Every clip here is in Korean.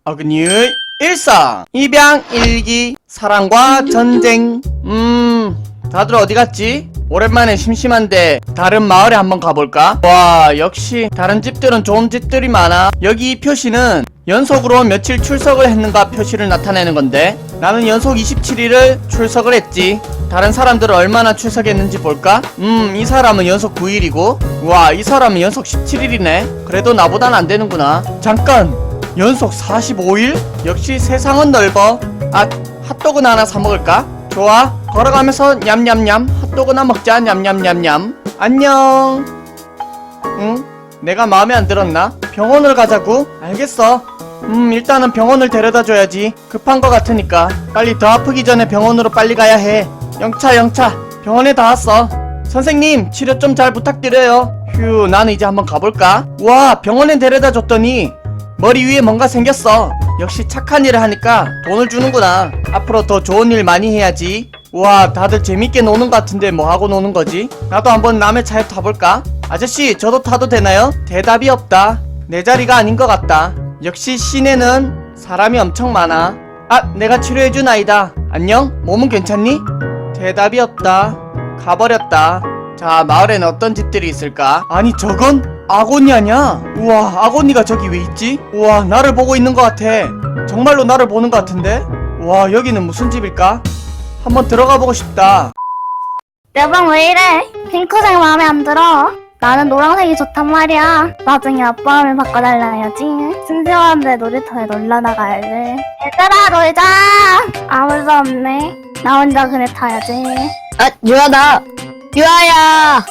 어그니의 일상 입양 일기 사랑과 전쟁. 다들 어디 갔지? 오랜만에 심심한데 다른 마을에 한번 가볼까? 와, 역시 다른 집들은 좋은 집들이 많아. 여기 이 표시는 연속으로 며칠 출석을 했는가 표시를 나타내는 건데 나는 연속 27일을 출석을 했지. 다른 사람들은 얼마나 출석했는지 볼까? 이 사람은 연속 9일이고 와, 이 사람은 연속 17일이네 그래도 나보단 안 되는구나. 잠깐, 연속 45일? 역시 세상은 넓어. 아, 핫도그나 하나 사 먹을까? 좋아, 걸어가면서 냠냠냠 핫도그나 먹자. 냠냠냠냠. 안녕. 응? 내가 마음에 안 들었나? 병원을 가자고? 알겠어. 일단은 병원을 데려다 줘야지. 급한 거 같으니까 빨리 더 아프기 전에 병원으로 빨리 가야 해. 영차 병원에 다 왔어. 선생님, 치료 좀 잘 부탁드려요. 휴, 나는 이제 한번 가볼까? 와, 병원에 데려다 줬더니 머리 위에 뭔가 생겼어. 역시 착한 일을 하니까 돈을 주는구나. 앞으로 더 좋은 일 많이 해야지. 와, 다들 재밌게 노는 것 같은데 뭐 하고 노는 거지? 나도 한번 남의 차에 타볼까? 아저씨, 저도 타도 되나요? 대답이 없다. 내 자리가 아닌 것 같다. 역시 시내는 사람이 엄청 많아. 아, 내가 치료해준 아이다. 안녕? 몸은 괜찮니? 대답이 없다. 가버렸다. 자, 마을에는 어떤 집들이 있을까? 아니, 저건 아고니아냐? 우와, 아고니가 저기 왜 있지? 우와, 나를 보고 있는 것 같아. 정말로 나를 보는 것 같은데? 와, 여기는 무슨 집일까? 한번 들어가 보고 싶다. 내 방 왜 이래? 핑크색 마음에 안 들어. 나는 노란색이 좋단 말이야. 나중에 아빠 하면 바꿔달라 해야지. 심심한데 놀이터에 놀러 나가야지. 얘들아, 놀자. 아무도 없네. 나 혼자 그네 타야지. 아, 유아다. 유아야.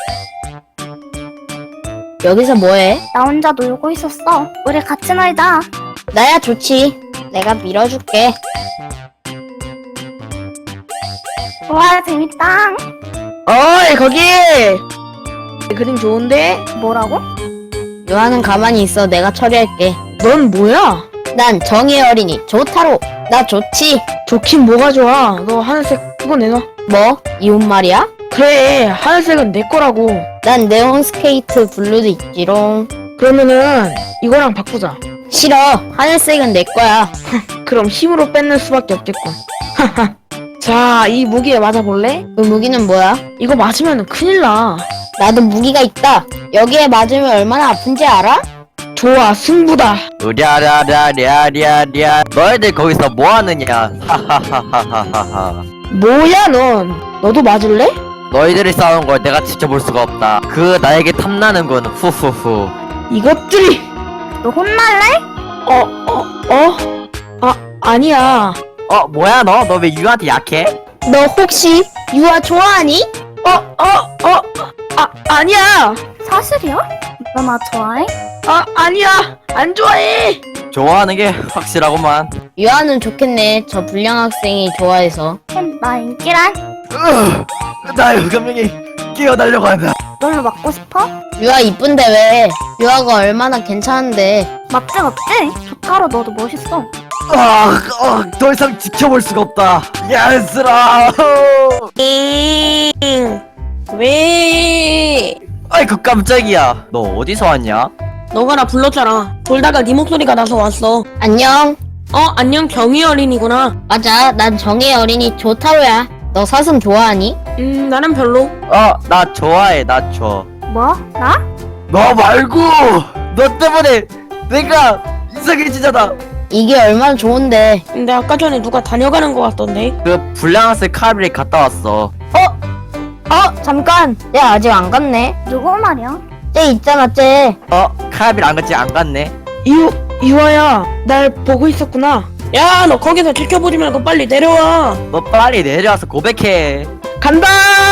여기서 뭐해? 나 혼자 놀고 있었어. 우리 같이 놀자. 나야 좋지. 내가 밀어줄게. 와, 재밌다. 어이, 거기. 그림 좋은데? 뭐라고? 유아는 가만히 있어. 내가 처리할게. 넌 뭐야? 난 정의의 어린이 조타로. 나 좋지. 좋긴 뭐가 좋아. 너 하늘색 그거 내놔. 뭐? 이 옷 말이야? 그래, 하늘색은 내 거라고. 난 네온 스케이트 블루도 있지롱. 그러면은 이거랑 바꾸자. 싫어. 하늘색은 내 거야. 그럼 힘으로 뺏는 수밖에 없겠군. 자, 이 무기에 맞아볼래? 그 무기는 뭐야? 이거 맞으면 큰일 나. 나도 무기가 있다. 여기에 맞으면 얼마나 아픈지 알아? 좋아, 승부다. 으랴랴랴랴랴랴 너희들 거기서 뭐하느냐. 하하하하하하. 뭐야 넌? 너도 맞을래? 너희들이 싸우는 걸 내가 지켜볼 수가 없다. 그 나에게 탐나는군. 후후후. 이것들이. 너 혼날래? 아니야. 뭐야 너 왜 유한테 약해? 너 혹시 유아 좋아하니? 아니야. 사실이야? 너 나 좋아해? 아니야. 안 좋아해. 좋아하는 게 확실하구만. 유아는 좋겠네. 저 불량 학생이 좋아해서. 나 인기란? 나 흑염룡이 끼어달려고 한다. 널로 맞고 싶어? 유아 이쁜데 왜? 유아가 얼마나 괜찮은데. 맞지 맞지? 조타로 너도 멋있어. 더 이상 지켜볼 수가 없다. 야스라. 왜? 아이고 깜짝이야. 너 어디서 왔냐? 너가 나 불렀잖아. 돌다가 네 목소리가 나서 왔어. 안녕. 안녕, 경희 어린이구나. 맞아. 난 정의 어린이 조타로야. 너 사슴 좋아하니? 나는 별로. 나 좋아해. 나 좋아. 뭐? 나? 너 말고 너 때문에 내가 이상해지잖아. 이게 얼마나 좋은데. 근데 아까 전에 누가 다녀가는 것 같던데. 그 불량학생 카빌이 갔다 왔어. 잠깐. 쟤 아직 안 갔네. 누구 말이야? 쟤 있잖아, 쟤. 카빌 안 갔지? 안 갔네. 유아야, 날 보고 있었구나. 야, 너 거기서 지켜보지 말고 빨리 내려와. 너 빨리 내려와서 고백해. 간다!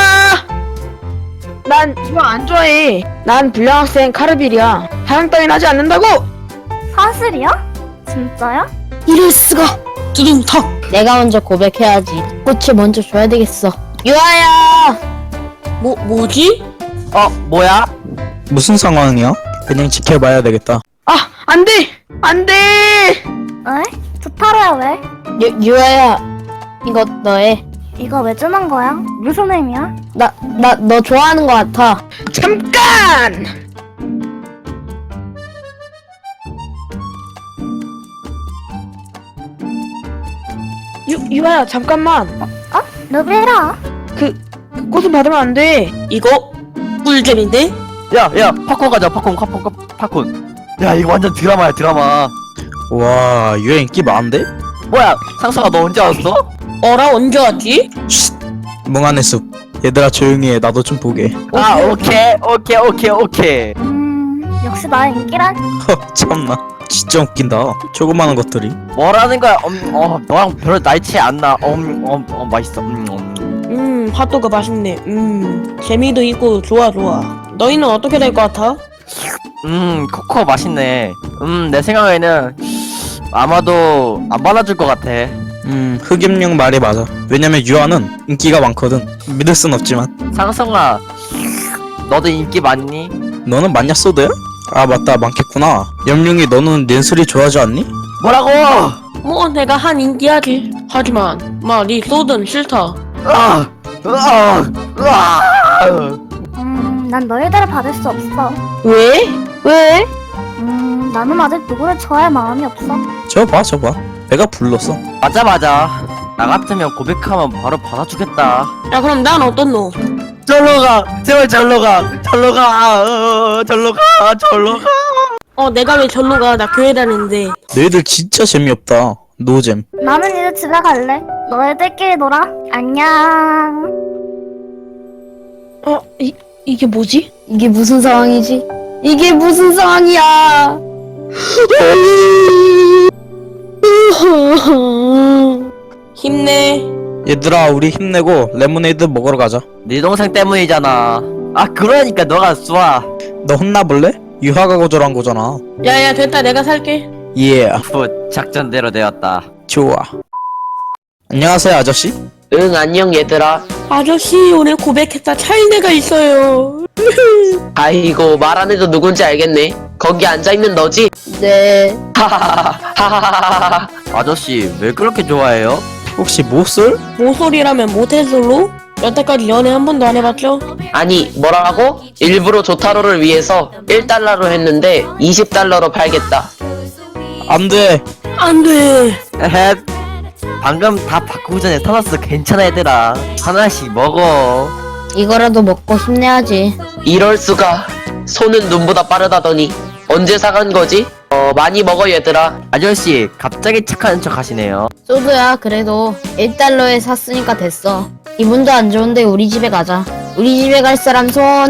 난 유아 안 좋아해. 난 불량 학생 카르빌이야. 사랑 따윈 하지 않는다고! 사실이야? 진짜야? 이럴 수가. 두둥탁. 내가 먼저 고백해야지. 꽃을 먼저 줘야 되겠어. 유아야! 뭐지? 뭐야? 무슨 상황이야? 그냥 지켜봐야 되겠다. 안 돼! 안 돼! 에? 조타로야 왜? 유아야, 이거 너의. 이거 왜 주는 거야? 무슨 의미야? 너 좋아하는 거 같아. 잠깐! 유아야 잠깐만. 누구야? 그 꽃은 받으면 안 돼. 이거 꿀잼인데? 야 팝콘 가자 팝콘. 야 이거 완전 드라마야 드라마. 와 유행 인기 많은데? 뭐야 상사가 너 언제 왔어? 어라 언제 왔지? 멍하네 숲. 얘들아 조용히 해. 나도 좀 보게. 아 오케이. 역시 나의 인기란? 허 참나. 진짜 웃긴다. 조그마한 것들이. 뭐라는 거야? 너랑 별로 나이 차이 안 나. 맛있어. 핫도그 맛있네. 재미도 있고 좋아. 너희는 어떻게 될 것 같아? 코코 맛있네. 내 생각에는 아마도 안 받아줄 것 같아. 흑염룡 말이 맞아. 왜냐면 유아는 인기가 많거든. 믿을 순 없지만. 상성아, 너도 인기 많니? 너는 맞냐 소드야? 아 맞다 많겠구나. 염룡이 너는 낸소리 좋아하지 않니? 뭐라고? 뭐 내가 한 인기하지. 하지만 네 소든 싫다. 난 너희들을 받을 수 없어. 왜? 왜? 나는 아직 누구를 좋아할 마음이 없어. 저봐 내가 불렀어. 맞아. 나 같으면 고백하면 바로 받아주겠다. 야 그럼 난 어떤 놈? 절로 가, 제발 절로 가. 내가 왜 절로 가? 나 교회 다니는데. 너희들 진짜 재미없다. 노잼. 나는 이제 집에 갈래. 너희들끼리 놀아. 안녕. 이게 뭐지? 이게 무슨 상황이지? 이게 무슨 상황이야? 힘내. 얘들아 우리 힘내고 레모네이드 먹으러 가자. 네 동생 때문이잖아. 그러니까 너가 쏴. 너 혼나볼래? 유하가 거절한 거잖아. 야야 됐다 내가 살게. 예. 작전대로 되었다. 좋아. 안녕하세요 아저씨. 응 안녕 얘들아. 아저씨 오늘 고백했다 차이내가 있어요. 아이고 말 안 해도 누군지 알겠네. 거기 앉아있는 너지? 네. 하하하하하하. 아저씨 왜 그렇게 좋아해요? 혹시 모쏠? 모쏠이라면 모태솔로? 여태까지 연애 한 번도 안 해봤죠? 아니 뭐라고? 일부러 조타로를 위해서 1달러로 했는데 20달러로 팔겠다. 안돼. 안돼. 에헷. 방금 다 바꾸기 전에 타났어. 괜찮아 얘들아. 하나씩 먹어. 이거라도 먹고 힘내야지. 이럴 수가. 손은 눈보다 빠르다더니 언제 사간 거지? 많이 먹어 얘들아. 아저씨 갑자기 착한 척 하시네요. 소드야 그래도 1달러에 샀으니까 됐어. 기분도 안 좋은데 우리 집에 가자. 우리 집에 갈 사람 손.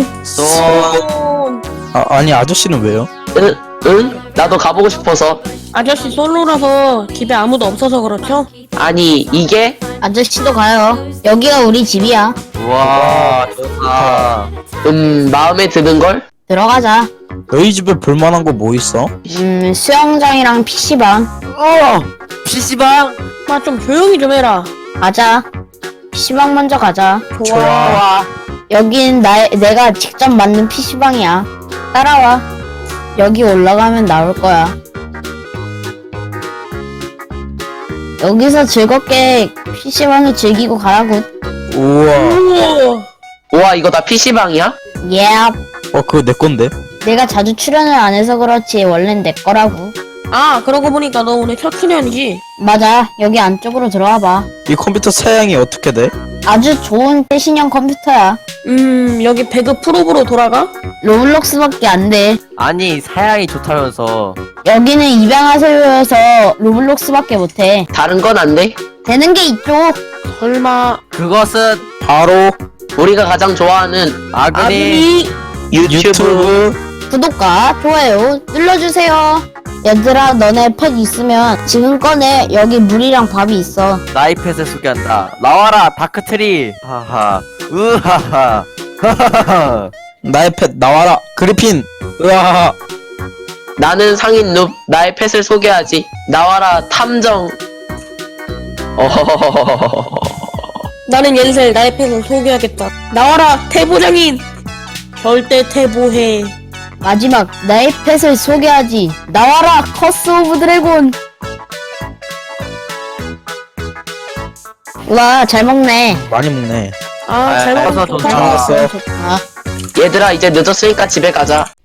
아니 아저씨는 왜요? 응? 나도 가보고 싶어서. 아저씨 솔로라서 집에 아무도 없어서 그렇죠? 아니 이게? 아저씨도 가요. 여기가 우리 집이야. 우와 좋다. 마음에 드는걸? 들어가자. 너희 집에 볼만한 거 뭐 있어? 수영장이랑 PC방. PC방? 좀 조용히 좀 해라. 가자. PC방 먼저 가자. 좋아. 여긴 내가 직접 만든 PC방이야. 따라와. 여기 올라가면 나올 거야. 여기서 즐겁게 PC방을 즐기고 가라고. 우와. 우와. 우와 이거 다 PC방이야? 예. 그거 내 건데. 내가 자주 출연을 안 해서 그렇지 원래는 내 거라고. 그러고 보니까 너 오늘 첫 출연이지? 맞아. 여기 안쪽으로 들어와 봐. 이 컴퓨터 사양이 어떻게 돼? 아주 좋은 최신형 컴퓨터야. 여기 배그 프로브로 돌아가? 로블록스밖에 안 돼. 아니 사양이 좋다면서. 여기는 입양하세요여서 로블록스밖에 못해. 다른 건 안 돼? 되는 게 이쪽. 설마 그것은 바로 우리가 가장 좋아하는 아그니. 유튜브. 구독과 좋아요 눌러주세요. 얘들아 너네 펫 있으면 지금 꺼내. 여기 물이랑 밥이 있어. 나이 펫을 소개한다. 나와라 다크트리. 하하. 으하하. 하하하. 나의 펫 나와라 그리핀. 으아. 나는 상인 눕. 나의 펫을 소개하지. 나와라 탐정. 어허허허허허허. 나는 옌셀 나의 팬을 소개하겠다. 나와라 태보장인. 절대 태보해. 마지막 나의 펫을 소개하지. 나와라 커스 오브 드래곤. 와 잘 먹네. 많이 먹네. 잘 먹어서 먹었어. 좋다. 잘 먹었어. 좋다. 얘들아 이제 늦었으니까 집에 가자.